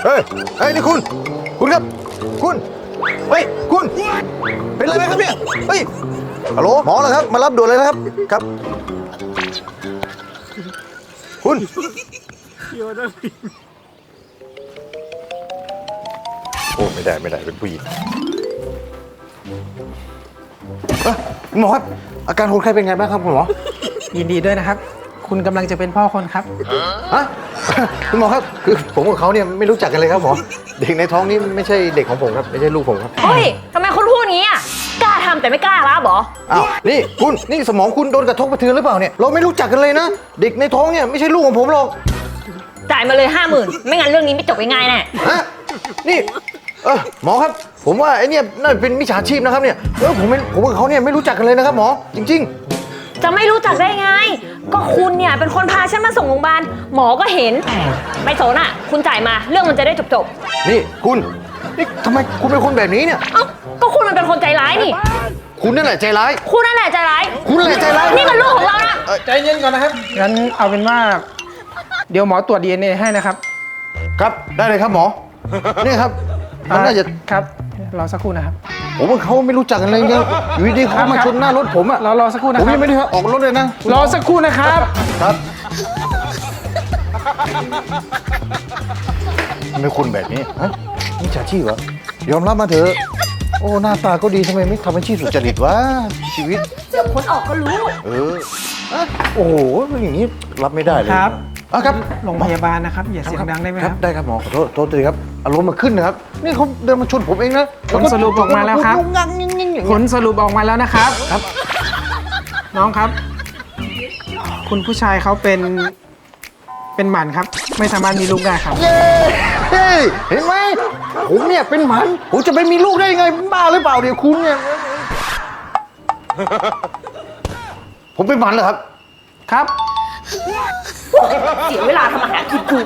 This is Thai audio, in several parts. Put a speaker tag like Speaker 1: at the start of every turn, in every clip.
Speaker 1: เฮ้ยนี่คุณครับคุณเฮ้ยคุณเป็นอะไรไหมครับเนี่ยเฮ้ยฮัลโหลหมอเหรอครับมารับด่วนเลยนะครับครับคุณโอ้ไม่ได้เป็นผู้หญิงคุณหมอครับอาการคนไข้เป็นไงบ้างครับคุณหมอ
Speaker 2: ยินดีด้วยนะครับคุณกำลังจะเป็นพ่อคนครับ
Speaker 1: ฮะคุณหมอครับคือผมกับเขาเนี่ยไม่รู้จักกันเลยครับหมอเด็กในท้องนี่ไม่ใช่เด็กของผมครับไม่ใช่ลูกผมครับ
Speaker 3: เฮ้ยทำไมคุณพูดงี้อ่ะกล้าทำแต่ไม่กล้ารับเหรอ
Speaker 1: อ้าวนี่คุณนี่สมองคุณโดนกระทบกระเทือนหรือเปล่าเนี่ยเราไม่รู้จักกันเลยนะเด็กในท้องเนี่ยไม่ใช่ลูกของผมหรอก
Speaker 3: จ่ายมาเลย50,000ไม่งั้นเรื่องนี้ไม่จบง่ายๆแน่
Speaker 1: ฮะนี่หมอครับผมว่าไอ้เนี่ยน่าเป็นมิจฉาชีพนะครับเนี่ยผมกับเขาเนี่ยไม่รู้จักกันเลยนะครับหมอจริง
Speaker 3: ๆจะไม่รู้จักได้ไงก็คุณเนี่ยเป็นคนพาฉันมาส่งโรงพยาบาลหมอก็เห็นไม่สนอ่ะคุณจ่ายมาเรื่องมันจะได้จบ
Speaker 1: นี่คุณนี่ทำไมคุณเป็นคนแบบนี้เนี่ย
Speaker 3: เอ้าก็คุณมันเป็นคนใจร้ายนี่
Speaker 1: คุณนั่นแหละใจร้าย
Speaker 3: คุณนั่นแหละใจร้าย
Speaker 1: คุณนั่นแหละใจร้าย
Speaker 3: นี่มันลูกของเรานะ
Speaker 2: ใจเย็นก่อนนะครับงั้นเอาเป็นว่าเดี๋ยวหมอตรวจ DNA ให้นะครับ
Speaker 1: ครับได้เลยครับหมอนี่ครับมันน่าจะ
Speaker 2: ครับรอสักครู่นะครับ
Speaker 1: ผมว่าเขาไม่รู้จักกันเลยเนี่ยอยู่ดีเขามาชนหน้ารถผมอะ
Speaker 2: รอสักครู่นะค
Speaker 1: รั
Speaker 2: บ
Speaker 1: ผมยังไม่ได้ออกรถเลยนะ
Speaker 2: รอสักครู่นะครับ
Speaker 1: ครับทำไมคุณแบบนี้ฮะมิจฉาชีพเหรอยอมรับมาเถอะโอ้หน้าตาก็ดีทำไมไม่ทำอาชีพสุจริตวะชีวิต
Speaker 3: เดี๋ยวคนออกก็รู้
Speaker 1: โอ้โหอย่างนี้รับไม่ได้เลย
Speaker 2: ครับ
Speaker 1: ครับ
Speaker 2: โรงพยาบาลนะครับอย่าเสียงดังได้ไหมครับ
Speaker 1: ได้ครับหมอขอโทษทีครับอารมณ์มาขึ้นนะครับนี่เขาเดินมาชนผมเองนะ
Speaker 2: ผลสรุปออกมาแล้วครับผลสรุปออกมาแล้วนะครับ
Speaker 1: ครับ
Speaker 2: น้องครับคุณผู้ชายเขาเป็นหมันครับไม่สามารถมีลูกได้ครับ
Speaker 1: เห็นไหมผมเนี่ยเป็นหมันผมจะไปมีลูกได้ยังไงบ้าหรือเปล่าเดี๋ยวคุณเนี่ยผมเป็นหมันเหรอครับ
Speaker 2: ครับ
Speaker 3: เสียเวลาทำอาหารกินกู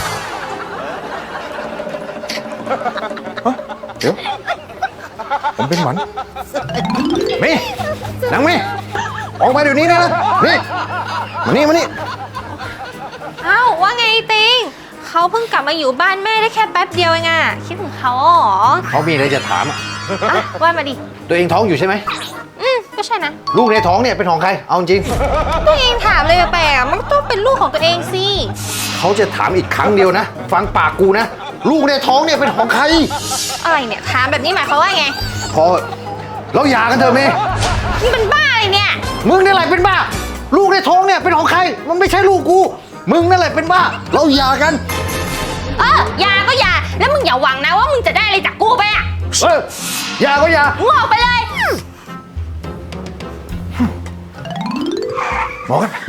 Speaker 1: เดี๋ยวผมเป็นหมันเมย์นางเมย์ออกมาเดี๋ยวนี้นะนี่มานี่
Speaker 4: อ้าวว่าไงติงเขาเพิ่งกลับมาอยู่บ้านแม่ได้แค่แป๊บเดียวเองอะคิดถึงเขาเหรอ
Speaker 1: เขามีอะไรจะถาม
Speaker 4: ว่ามาดิ
Speaker 1: ตัวเองท้องอยู่ใช่ไหม
Speaker 4: ก็ใช่นะ
Speaker 1: ลูกในท้องเนี่ยเป็นของใครเอาจริง
Speaker 4: ตัวเองถามเลยแปลกๆมันต้องเป็นลูกของตัวเองสิ
Speaker 1: เขาจะถามอีกครั้งเดียวนะฟังปากกูนะลูกในท้องเนี่ยเป็นของใคร
Speaker 4: อะไรเนี่ยถามแบบนี้หมายความว่าไง
Speaker 1: พอเราหย่ากันเถอะเมย์
Speaker 4: มึงเป็นบ้าอะไรเนี่ย
Speaker 1: มึงนี่แหละเป็นบ้าลูกในท้องเนี่ยเป็นของใครมันไม่ใช่ลูกกูมึงนั่นแหละเป็นบ้าเราหย่ากัน
Speaker 4: หย่าก็หย่าแล้วมึงอย่าหวังนะว่ามึงจะได้อะไรจากกูไปอ่ะ
Speaker 1: หย่าก็หย่า
Speaker 4: มึงออกไปเลย
Speaker 1: หมอครับ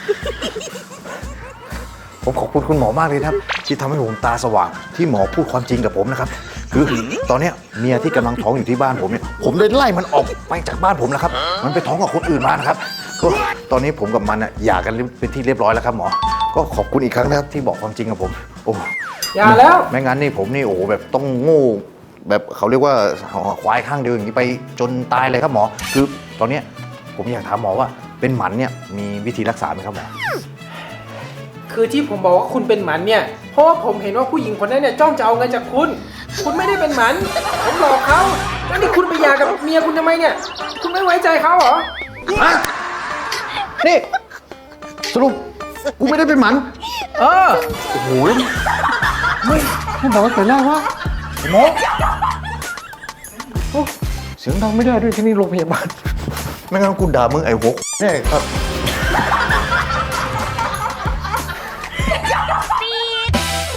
Speaker 1: ผมขอบคุณคุณหมอมากเลยครับที่ทำให้ผมตาสว่างที่หมอพูดความจริงกับผมนะครับคือตอนนี้เมียที่กำลังท้องอยู่ที่บ้านผมเนี่ยผมได้ไล่มันออกไปจากบ้านผมแล้วครับมันไปท้องกับคนอื่นมานะครับก็ตอนนี้ผมกับมันหย่ากันเป็นที่เรียบร้อยแล้วครับหมอก็ขอบคุณอีกครั้งนะครับที่บอกความจริงกับผมโอ้
Speaker 2: หย่าแล้ว
Speaker 1: ไม่งั้นนี่ผมนี่โอ้แบบต้องโง่แบบเขาเรียกว่าควายข้างเดียวอย่างนี้ไปจนตายเลยครับหมอคือตอนนี้ผมอยากถามหมอว่าเป็นหมันเนี่ยมีวิธีรักษาไหมครับหมอ
Speaker 2: คือที่ผมบอกว่าคุณเป็นหมันเนี่ยเพราะว่าผมเห็นว่าผู้หญิงคนนั้นเนี่ยจ้องจะเอาเงินจากคุณไม่ได้เป็นหมันผมหลอกเขาแล้วนี่คุณไปหย่ากับเมียคุณทำไมเนี่ยคุณไม่ไว้ใจเขาเหรอ
Speaker 1: นี่สรุปกูไม่ได้เป็นหมัน
Speaker 2: โอ้
Speaker 1: โหไม่บอกว่าแต่แรกว่าหมอเสียงดังไม่ได้ด้วยที่นี่โรงพยาบาลไม่งั้นกูด่ามึงไอ้หัวแน่ครับ